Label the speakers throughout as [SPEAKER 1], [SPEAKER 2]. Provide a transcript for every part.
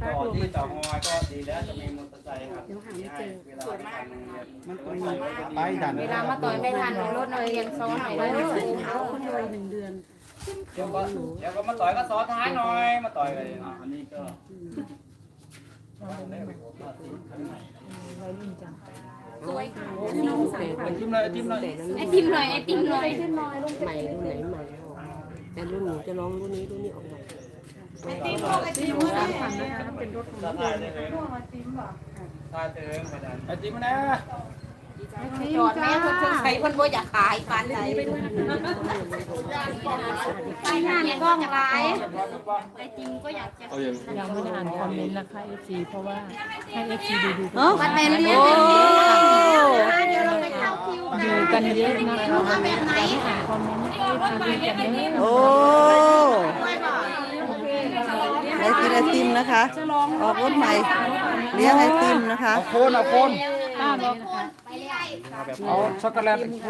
[SPEAKER 1] ต่อที่ต่องอยก็ดีแล้วจะมีมอเตอร์ไซค์ครับ
[SPEAKER 2] เดี๋ยวหาไม่เจอ
[SPEAKER 1] เวลาไปทำโรงเรียน
[SPEAKER 3] มันต้องมีไปดัน
[SPEAKER 4] เวลามาต่อยไม่ทันรถเลยยังซ้อนหน่อยได้
[SPEAKER 2] เขาคนเลย1 เดือน
[SPEAKER 1] เดี๋ยวก็มาต่อยก็ซ้อนท้ายหน่อยมาต่อยเลยอันนี้ก็
[SPEAKER 4] สวย
[SPEAKER 1] ไอติมเลยไอติมเลย
[SPEAKER 4] ไอติมหน่อยไอติมหน่อย
[SPEAKER 5] ใหม่รุ่นไหนใหม่แต่รุ่นหนูจะลองรุ่นนี้ออกใหม่
[SPEAKER 4] ไอติมพวกไอติม
[SPEAKER 2] 3 คันนะคะเป็นรถของ
[SPEAKER 1] ถ่ายเลยถ่ายเติมไปดันไอติมนะ
[SPEAKER 4] จอดแม่คนสงสัยคนบ่อยากขายปานใดไปงานกล้องร้ายไอติมก็อยากจะ
[SPEAKER 6] ยังไม่ได้อ่านคอมเมนต์นะคะ FC เพราะว่าให้ FC ดู
[SPEAKER 4] มันเป็นเรื่องเดี๋ยวเราไปเข้าคิว
[SPEAKER 6] ดูกันเยอะนะคะ
[SPEAKER 4] เอาแบบไหน
[SPEAKER 6] อ่านคอมเมนต์ให้ FC ดูกันเยอะ
[SPEAKER 5] โอ้ให้กินไอติมนะคะออกรถใหม่เลี้ยงไอติมนะคะ
[SPEAKER 3] เอาโคนเอาโคน
[SPEAKER 6] ป้าบอกนะคะ
[SPEAKER 4] ไปเรื่อย
[SPEAKER 3] เอาช็อกโกแลตโคน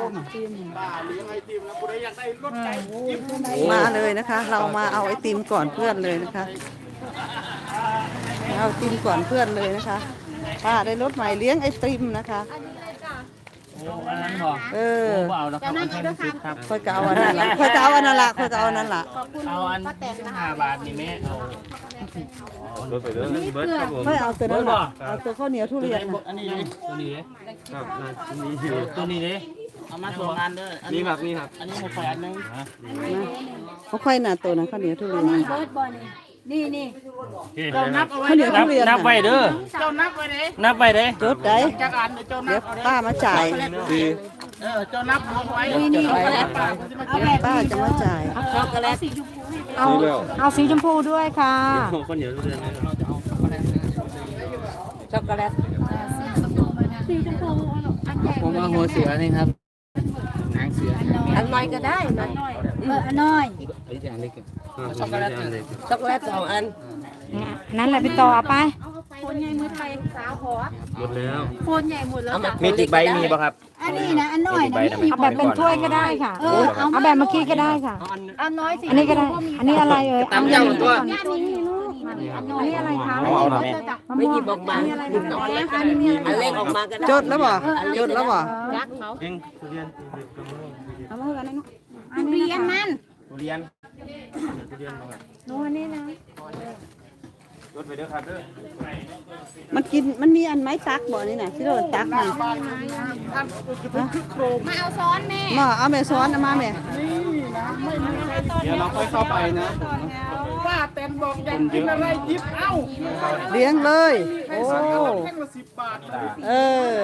[SPEAKER 5] มาเลยนะคะ เรามาเอาไอติมก่อนเพื่อนเลยนะคะเอาไอติมก่อนเพื่อนเลยนะคะป้าได้รถใหม่เลี้ยงไอติมนะคะ
[SPEAKER 1] โอ้อันนั้นบอก
[SPEAKER 5] เออ
[SPEAKER 1] เอาแล้วครับอันนี้ครับ
[SPEAKER 5] ค่อยจะเอาอันนั้นละค่อยจะเอาอันนั้นละค่อยจะเอาอันนั้นละ
[SPEAKER 1] เอาอัน5 บาทนี่แม่เอา
[SPEAKER 5] ไม่เอาตัวนั้นละเอาตัวข้าวเหนียวทุเรียนนะ
[SPEAKER 1] อันนี้ตัวนี้ครับตัวนี้เลยเอามา2 อันเด้อนี่ครับนี่ครับอันนี้มา8 อันนึง
[SPEAKER 5] เขาค่อยหนาตัวนั้นข้าวเหนียวทุเรียน
[SPEAKER 4] เบิร์ดบอลนี่นี่
[SPEAKER 1] เจ้านับเอาไว้
[SPEAKER 5] ข้าวเหนียวทุเรียน
[SPEAKER 1] นับไปเด้อเจ้านับไปเด้นับไปเด้
[SPEAKER 5] จดได้
[SPEAKER 1] จักอันเจ้านั
[SPEAKER 5] เดี๋ย
[SPEAKER 1] บ
[SPEAKER 5] วป้ามาจ่าย
[SPEAKER 1] เจ้านับเอาไว้
[SPEAKER 4] นี่
[SPEAKER 5] ป้าจะมาจ่าย
[SPEAKER 4] ช็อกโกแลต
[SPEAKER 6] เอาสีชมพูด้วยค่ะ
[SPEAKER 1] คนเดียวเดือนนี้
[SPEAKER 4] ช็อกโกแลตสีชมพูอันใหญ่
[SPEAKER 1] ผมเอาหัวเสือนี่ครับหางเสือ
[SPEAKER 4] อันน้อยก็ได้มันอันน้อย
[SPEAKER 1] ไอ้อย่างเล็กช็อกโกแลตเล็ก
[SPEAKER 4] ช็อกโกแลต2 อัน
[SPEAKER 6] นั่นแหละพี่ต่อเอาไป
[SPEAKER 4] โคนใหญ่มือไทยสาวหัว
[SPEAKER 1] หมดแล้ว
[SPEAKER 4] โคนใหญ่หมดแล้ว
[SPEAKER 1] มีติกใบมีป่ะครับ
[SPEAKER 4] อันนี้นะอันน้อยนะ
[SPEAKER 6] เอาแบบเป็นถ้วยก็ได้ค่ะ เอาแบบเมื่อกี้ก็ได้ค่ะ
[SPEAKER 4] อันน้อยสิ
[SPEAKER 6] อันนี้ก็ได้ อันนี้อะไรเอ่ย
[SPEAKER 1] ตำเจ้าตัว
[SPEAKER 4] อันนี้ลูกอันน้อย
[SPEAKER 6] อันนี้อะไรคะ
[SPEAKER 1] เอาหน่อย
[SPEAKER 4] ไม่หยิบออกมาอันเล็กออกมาก็ได้
[SPEAKER 5] จดแล้วบ่จดแล้วบ่
[SPEAKER 4] ยักเขา
[SPEAKER 1] เองทุเรียน
[SPEAKER 6] เอามาเถอะอันนี้เนาะ
[SPEAKER 4] ทุเรียนมัน
[SPEAKER 1] ทุเรียนทุเรียนมาครับ
[SPEAKER 6] โน้นอันนี้นะ
[SPEAKER 1] รถไปเด้อครับเด้อ
[SPEAKER 5] มันมีอันไม้ตักบ่นี่น่ะที่เราตักน่ะ
[SPEAKER 4] มาเอาซ้อนแม่
[SPEAKER 5] มาเอาแม่ซ้อนเอามาแม่
[SPEAKER 3] เดี๋ยวเราค่อยเข้าไปนะ
[SPEAKER 1] ป้าเต็นบอกอยากกินอะไรยิบเอ้า
[SPEAKER 5] เลี้ยงเลยโอ้
[SPEAKER 1] แค่ละ10 บาท
[SPEAKER 5] เออ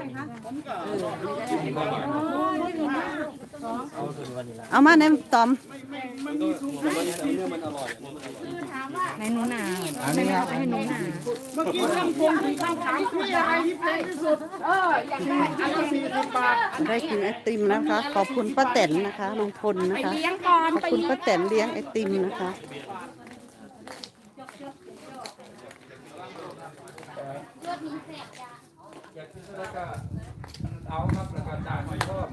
[SPEAKER 5] เอามาแหนมตอม
[SPEAKER 6] ในหนูหนาอันนี้ครับให้หนูหนา
[SPEAKER 1] เมื่อกี้ท่านพงถึงคำถามที่อะไรที่แพงที่สุดอยากได้อันละ40 บาท
[SPEAKER 5] ได้กินไอติมนะคะ ขอบคุณป้าแตนนะคะลุงพลนะคะ
[SPEAKER 4] เลี้ยงก่อน
[SPEAKER 5] ขอบคุณป้าแตนเลี้ยงไอติมนะคะ
[SPEAKER 1] เอาครับราคาจ่ายไม่ชอบ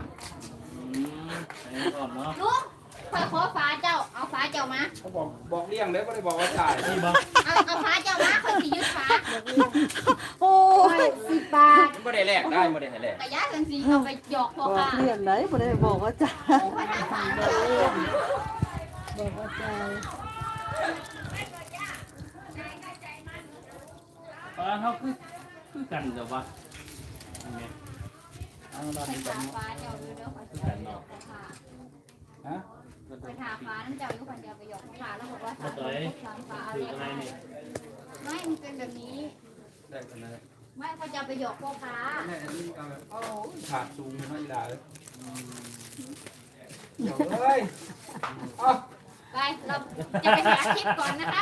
[SPEAKER 4] ลูกคอยขอฟ้าเจ้า เอาฟ้าเจ้ามา
[SPEAKER 1] เขาบอกเลี่ยงแล้วก็เลยบอกว่าจ่ายนี่บอก
[SPEAKER 4] เอาฟ้าเจ้ามาคอยสิยึดฟ้า
[SPEAKER 5] โอ้ย
[SPEAKER 4] 10 บาท
[SPEAKER 1] ไม่ได้แลกได้ไม่ได้แลก
[SPEAKER 4] กระยะกันสิเอาไปหยอกพ่อ
[SPEAKER 5] บอก
[SPEAKER 4] ค่ะ
[SPEAKER 5] เรียนไหนบ่ได้บอกว่าจ้า
[SPEAKER 1] เขาคือกันเดี๋ยววะ
[SPEAKER 4] ไปถามฟ้าเจ้าดูเด้อคอยสิหยอกพ่อค่ะ
[SPEAKER 1] ฮะ
[SPEAKER 4] ไปถามฟ้านั่นเจ้าอยู่คนเดียวไปหยอกพ่อค่ะแล้วบอกว่าถามฟ้าเอาเรียกไม่มันเป็นแบบนี้
[SPEAKER 1] ได้กันนะ
[SPEAKER 4] ไม่เขาจะไปหยอกพ่อค้า
[SPEAKER 1] แม่อันนี้ก็โอ้ขาดซูงไม่ได้เลยเดี๋ยวเลย
[SPEAKER 4] ไปเราจะไปหาคลิปก่อนนะครับ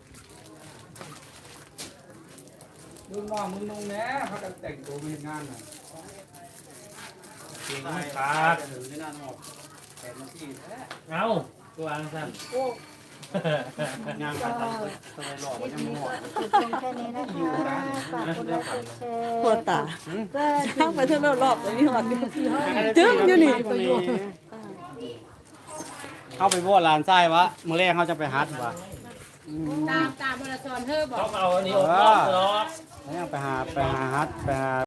[SPEAKER 1] ดูน้องมึงนุ่งแน่เขาจะแต่งตัวมีงานน่ะเก่งไม่ขาดหรือไม่น่านอกแต่มาที่แท้
[SPEAKER 7] เอาตัวอังสัน
[SPEAKER 1] งานการตัดตัวหล่อมันยังหมด
[SPEAKER 2] แค่นี้นะคะฝากกดไลค์กดแชร์
[SPEAKER 5] ปวดตาช่างไปเท่ารอบๆนี่หอดจึ้งอยู่นี่
[SPEAKER 3] เข้าไปบ่ลานทรายวะมื้อแรกเขาจะไปหาถูกป่ะ
[SPEAKER 4] ตามเวลา
[SPEAKER 6] สอนเธอบอก
[SPEAKER 1] ต้องเอาอันนี้ออกรอบ
[SPEAKER 3] แล้วยังไปหาฮัทไปหา